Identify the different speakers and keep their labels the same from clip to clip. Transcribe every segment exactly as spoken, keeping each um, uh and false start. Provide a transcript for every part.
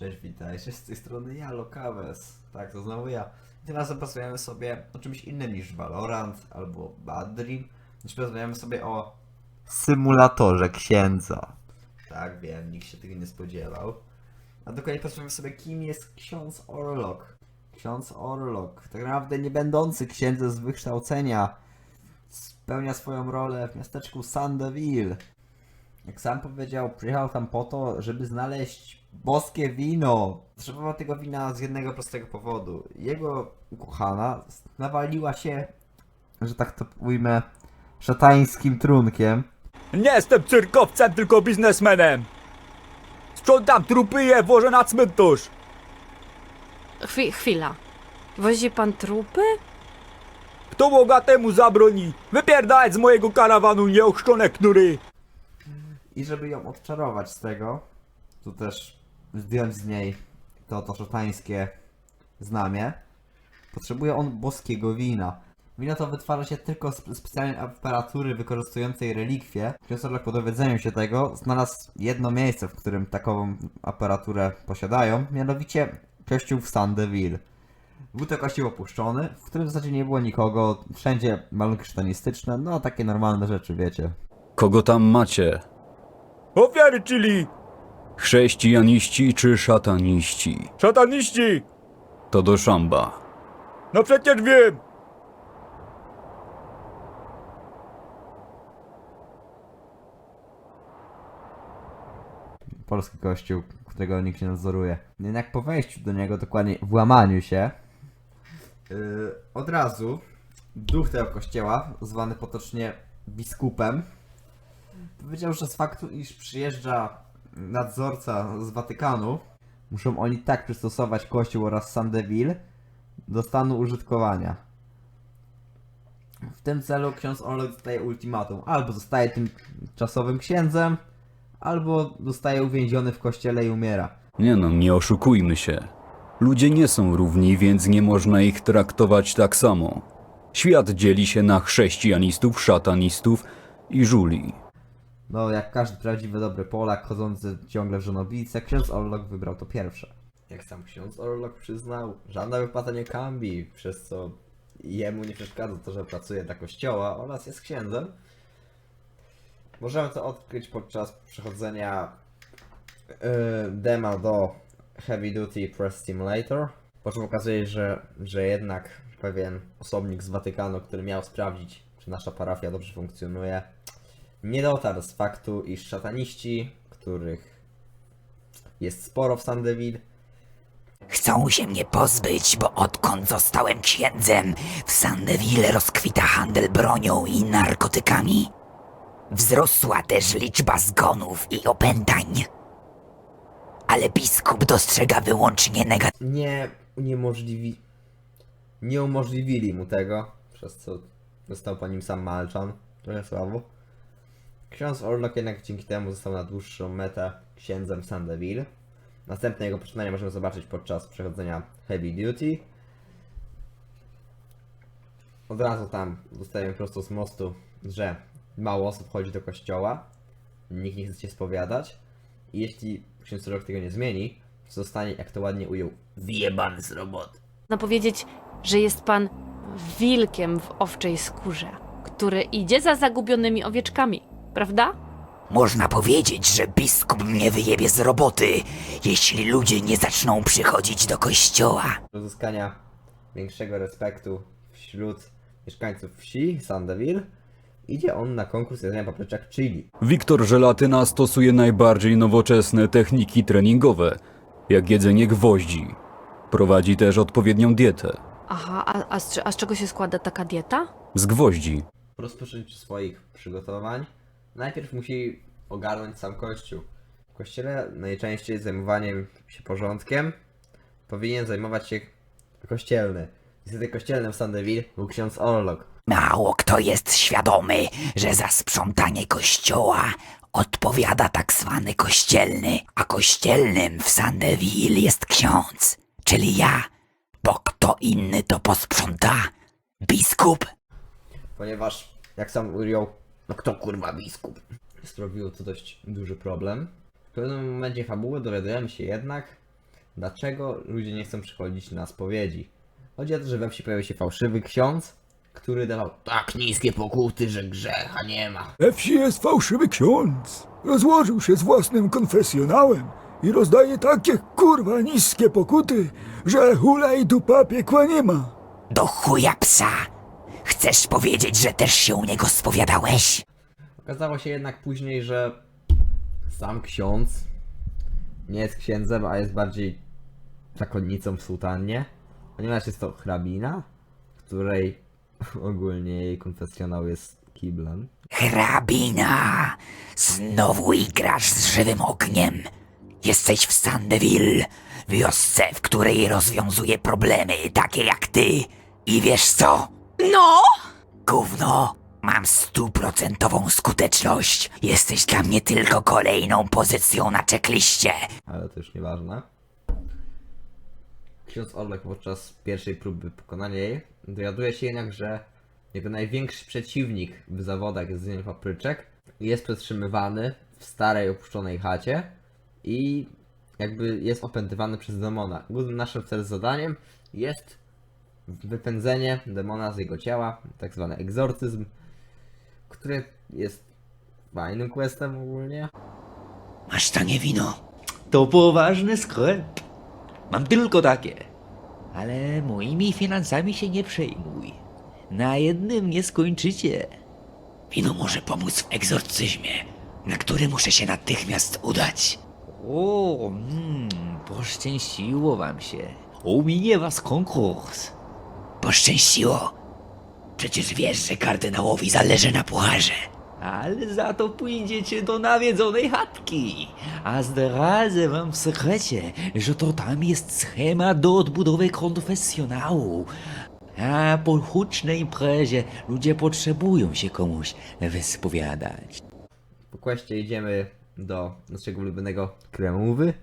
Speaker 1: Cześć, witajcie, z tej strony ja, Lokawes. Tak, to znowu ja. I tym razem porozmawiamy sobie o czymś innym niż Valorant albo Bad Dream. Dziś porozmawiamy sobie o symulatorze księdza. Tak, wiem, nikt się tego nie spodziewał. A dokładnie porozmawiamy sobie, kim jest ksiądz Orlok. Ksiądz Orlok, tak naprawdę nie będący księdzem z wykształcenia, spełnia swoją rolę w miasteczku Sandeville. Jak sam powiedział, przyjechał tam po to, żeby znaleźć boskie wino. Potrzebował tego wina z jednego prostego powodu. Jego ukochana nawaliła się, że tak to ujmę, szatańskim trunkiem.
Speaker 2: Nie jestem cyrkowcem, tylko biznesmenem. Sprzątam trupy i je włożę na cmentarz.
Speaker 3: Chwi chwila. Wozi pan trupy?
Speaker 2: Kto bogatemu zabroni? Wypierdalać z mojego karawanu, nieochrzczone knury.
Speaker 1: I żeby ją odczarować z tego, tu też zdjąć z niej to, to szatańskie znamie, potrzebuje on boskiego wina. Wino to wytwarza się tylko z specjalnej aparatury wykorzystującej relikwie. Ksiądz Orlok po dowiedzeniu się tego znalazł jedno miejsce, w którym takową aparaturę posiadają, mianowicie kościół w Sandeville. Był to kościół opuszczony, w którym w zasadzie nie było nikogo, wszędzie malunki szatanistyczne, no takie normalne rzeczy, wiecie.
Speaker 4: Kogo tam macie?
Speaker 2: Ofiary, czyli
Speaker 4: Chrześcijaniści czy szataniści?
Speaker 2: szataniści.
Speaker 4: To do szamba.
Speaker 2: No przecież wiem.
Speaker 1: Polski kościół, którego nikt nie nadzoruje. Jednak po wejściu do niego, dokładnie włamaniu się, yy, od razu duch tego kościoła, zwany potocznie biskupem, powiedział, że z faktu, iż przyjeżdża nadzorca z Watykanu, muszą oni tak przystosować kościół oraz Sandeville do stanu użytkowania. W tym celu ksiądz Orlok dostaje ultimatum. Albo zostaje tymczasowym księdzem, albo zostaje uwięziony w kościele i umiera.
Speaker 4: Nie no, nie oszukujmy się. Ludzie nie są równi, więc nie można ich traktować tak samo. Świat dzieli się na chrześcijanistów, szatanistów i żuli.
Speaker 1: No, jak każdy prawdziwy dobry Polak chodzący ciągle w żonobijce, ksiądz Orlok wybrał to pierwsze. Jak sam ksiądz Orlok przyznał, żadna wypłata nie kambi, przez co jemu nie przeszkadza to, że pracuje dla kościoła oraz jest księdzem. Możemy to odkryć podczas przechodzenia yy, dema do Heavy Duty Press Simulator, po czym okazuje się, że, że jednak pewien osobnik z Watykanu, który miał sprawdzić, czy nasza parafia dobrze funkcjonuje, nie dotarł z faktu, iż szataniści, których jest sporo w Sandeville,
Speaker 5: Chcą się mnie pozbyć, bo odkąd zostałem księdzem, w Sandeville rozkwita handel bronią i narkotykami. Wzrosła też liczba zgonów i opętań. Ale biskup dostrzega wyłącznie negatywne.
Speaker 1: nie uniemożliwi... nie umożliwili mu tego, przez co został po nim sam Malczan, trochę słabo. Ksiądz Orlok jednak dzięki temu został na dłuższą metę księdzem Sandeville. Następne jego poczynania możemy zobaczyć podczas przechodzenia Heavy Duty. Od razu tam dostajemy prosto z mostu, że mało osób chodzi do kościoła, nikt nie chce się spowiadać i jeśli ksiądz Orlok tego nie zmieni, zostanie, jak to ładnie ujął, wyjebany z roboty.
Speaker 3: Można powiedzieć, że jest pan wilkiem w owczej skórze, który idzie za zagubionymi owieczkami, prawda?
Speaker 5: Można powiedzieć, że biskup mnie wyjebie z roboty, jeśli ludzie nie zaczną przychodzić do kościoła.
Speaker 1: Do uzyskania większego respektu wśród mieszkańców wsi Sandeville idzie on na konkurs jedzenia papryczek chili.
Speaker 4: Wiktor Żelatyna stosuje najbardziej nowoczesne techniki treningowe, jak jedzenie gwoździ. Prowadzi też odpowiednią dietę.
Speaker 3: Aha, a, a, z, a z czego się składa taka dieta?
Speaker 4: Z gwoździ.
Speaker 1: Po rozpoczęciu swoich przygotowań najpierw musi ogarnąć sam kościół. W kościele najczęściej zajmowaniem się porządkiem powinien zajmować się kościelny. Niestety kościelnym w Sandeville był ksiądz Orlok.
Speaker 5: Mało kto jest świadomy, że za sprzątanie kościoła odpowiada tak zwany kościelny, a kościelnym w Sandeville jest ksiądz, czyli ja, bo kto inny to posprząta? Biskup?
Speaker 1: Ponieważ, jak sam ujął, no kto kurwa biskup? Sprawiło to dość duży problem. W pewnym momencie fabuły dowiadujemy się jednak, dlaczego ludzie nie chcą przychodzić na spowiedzi. Chodzi o to, że we wsi pojawił się fałszywy ksiądz, który dawał tak niskie pokuty, że grzecha nie ma.
Speaker 2: We wsi jest fałszywy ksiądz. Rozłożył się z własnym konfesjonałem i rozdaje takie kurwa niskie pokuty, że hula i dupa piekła nie ma.
Speaker 5: Do chuja psa! Chcesz powiedzieć, że też się u niego spowiadałeś?
Speaker 1: Okazało się jednak później, że sam ksiądz nie jest księdzem, a jest bardziej zakonnicą w sutannie, ponieważ jest to hrabina, której ogólnie jej konfesjonał jest kiblem.
Speaker 5: Hrabina! Znowu igrasz z żywym ogniem. Jesteś w Sandeville, wiosce, w której rozwiązuje problemy takie jak ty. I wiesz co?
Speaker 3: No!
Speaker 5: Gówno! Mam stuprocentową skuteczność. Jesteś dla mnie tylko kolejną pozycją na checkliście.
Speaker 1: Ale to już nieważne. Ksiądz Orlok podczas pierwszej próby pokonania jej dowiaduje się jednak, że jego największy przeciwnik w zawodach jest Zdzień Papryczek jest przetrzymywany w starej opuszczonej chacie i jakby jest opętywany przez demona. Głównym naszym wtedy zadaniem jest wypędzenie demona z jego ciała, tak zwany egzorcyzm, który jest fajnym questem ogólnie.
Speaker 5: Masz tanie wino.
Speaker 6: To poważny sklep. Mam tylko takie. Ale moimi finansami się nie przejmuj. Na jednym nie skończycie.
Speaker 5: Wino może pomóc w egzorcyzmie, na który muszę się natychmiast udać.
Speaker 6: O, mm, poszczęściło wam się. Ominie was konkurs.
Speaker 5: Poszczęściło. Przecież wiesz, że kardynałowi zależy na pucharze.
Speaker 6: Ale za to pójdziecie do nawiedzonej chatki. A zdradzę wam w sekrecie, że to tam jest schemat do odbudowy konfesjonału. A po hucznej imprezie ludzie potrzebują się komuś wyspowiadać.
Speaker 1: Po questie idziemy do naszego ulubionego Kremówy.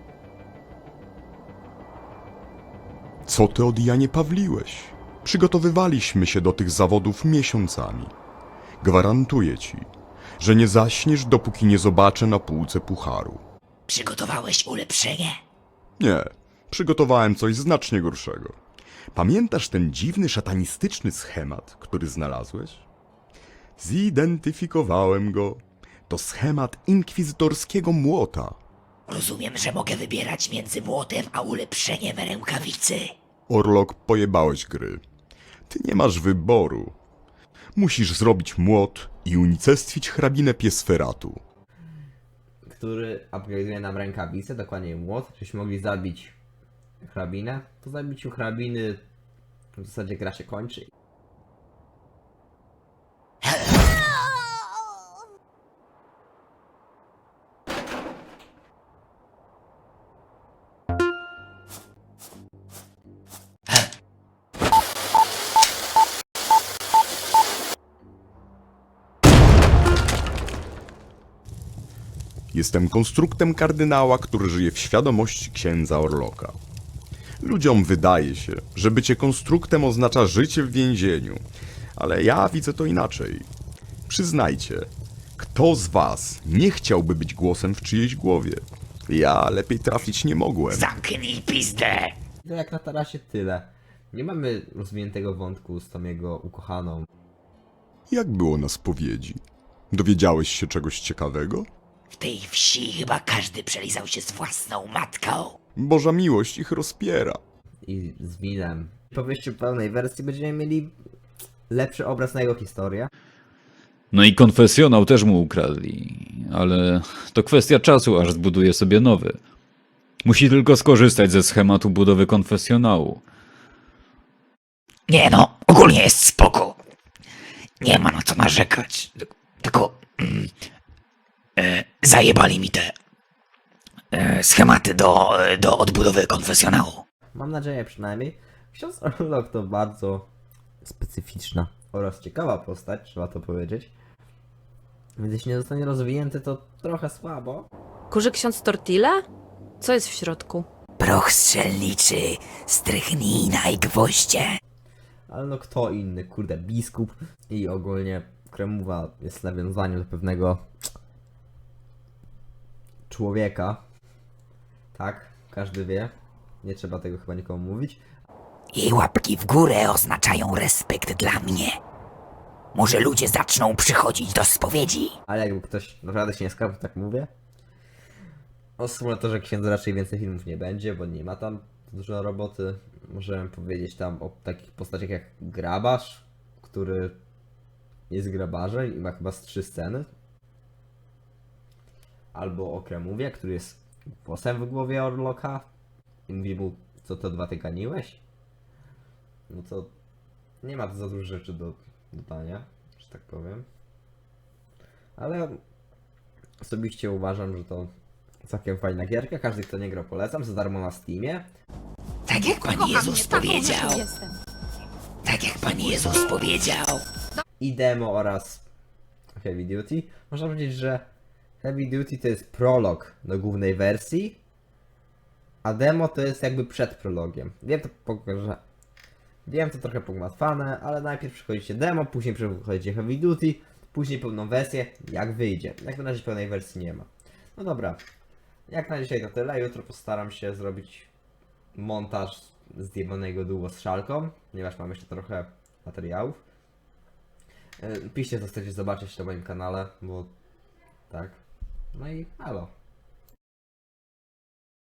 Speaker 7: Co ty od Janie Pawliłeś? Przygotowywaliśmy się do tych zawodów miesiącami. Gwarantuję ci, że nie zaśniesz, dopóki nie zobaczę na półce pucharu.
Speaker 5: Przygotowałeś ulepszenie?
Speaker 7: Nie, przygotowałem coś znacznie gorszego. Pamiętasz ten dziwny, szatanistyczny schemat, który znalazłeś? Zidentyfikowałem go. To schemat inkwizytorskiego młota.
Speaker 5: Rozumiem, że mogę wybierać między młotem a ulepszeniem rękawicy.
Speaker 7: Orlok, pojebałeś gry. Ty nie masz wyboru. Musisz zrobić młot i unicestwić hrabinę Piesferatu.
Speaker 1: Który upgrade'uje nam rękawicę, dokładnie młot, żebyśmy mogli zabić hrabinę. Po zabiciu hrabiny w zasadzie gra się kończy.
Speaker 7: Jestem konstruktem kardynała, który żyje w świadomości księdza Orloka. Ludziom wydaje się, że bycie konstruktem oznacza życie w więzieniu, ale ja widzę to inaczej. Przyznajcie, kto z was nie chciałby być głosem w czyjejś głowie? Ja lepiej trafić nie mogłem.
Speaker 5: Zamknij pizdę!
Speaker 1: No jak na tarasie tyle. Nie mamy rozwiniętego wątku z tą jego ukochaną.
Speaker 7: Jak było na spowiedzi? Dowiedziałeś się czegoś ciekawego?
Speaker 5: W tej wsi chyba każdy przelizał się z własną matką.
Speaker 7: Boża miłość ich rozpiera.
Speaker 1: I z winem. Po wyjściu pełnej wersji będziemy mieli lepszy obraz na jego historię.
Speaker 4: No i konfesjonał też mu ukradli, ale to kwestia czasu, aż zbuduje sobie nowy. Musi tylko skorzystać ze schematu budowy konfesjonału.
Speaker 5: Nie no, ogólnie jest spoko. Nie ma na co narzekać. Tylko mm, e, zajebali mi te e, schematy do, do odbudowy konfesjonału.
Speaker 1: Mam nadzieję przynajmniej. Ksiądz Orlok to bardzo specyficzna oraz ciekawa postać, trzeba to powiedzieć. Więc jeśli nie zostanie rozwinięty, to trochę słabo.
Speaker 3: Kurzy ksiądz Tortilla? Co jest w środku?
Speaker 5: Proch strzelniczy, strychnina i gwoździe.
Speaker 1: Ale no kto inny, kurde, biskup. I ogólnie Kremowa jest nawiązaniem do pewnego człowieka. Tak, każdy wie. Nie trzeba tego chyba nikomu mówić.
Speaker 5: Jej łapki w górę oznaczają respekt dla mnie. Może ludzie zaczną przychodzić do spowiedzi.
Speaker 1: Ale jakby ktoś naprawdę się nie skapał, tak mówię. O symulatorze księdza raczej więcej filmów nie będzie, bo nie ma tam dużo roboty. Możemy powiedzieć tam o takich postaciach jak Grabarz, który jest grabarzem i ma chyba z trzy sceny. Albo o Kremówie, który jest głosem w głowie Orloka i mówi mu, co to dwa tyganiłeś? No to nie ma za dużo rzeczy do dodania, że tak powiem. Ale osobiście uważam, że to całkiem fajna gierka. Każdy, kto nie grał, polecam. Za darmo na Steamie.
Speaker 5: Tak jak Pan Jezus powiedział. Tak jak Pan Jezus powiedział.
Speaker 1: I demo oraz Heavy Duty. Można powiedzieć, że Heavy Duty to jest prolog do głównej wersji, a demo to jest jakby przed prologiem. Wiem to, po- że wiem to trochę pogmatwane, ale najpierw przechodzicie demo, później przechodzicie Heavy Duty, później pełną wersję, jak wyjdzie. Jak na razie pełnej wersji nie ma. No dobra, jak na dzisiaj to tyle. Jutro postaram się zrobić montaż zjebanego duo z szalką, ponieważ mam jeszcze trochę materiałów. Yy, Piszcie, co chcecie zobaczyć na moim kanale, bo tak. No i halo.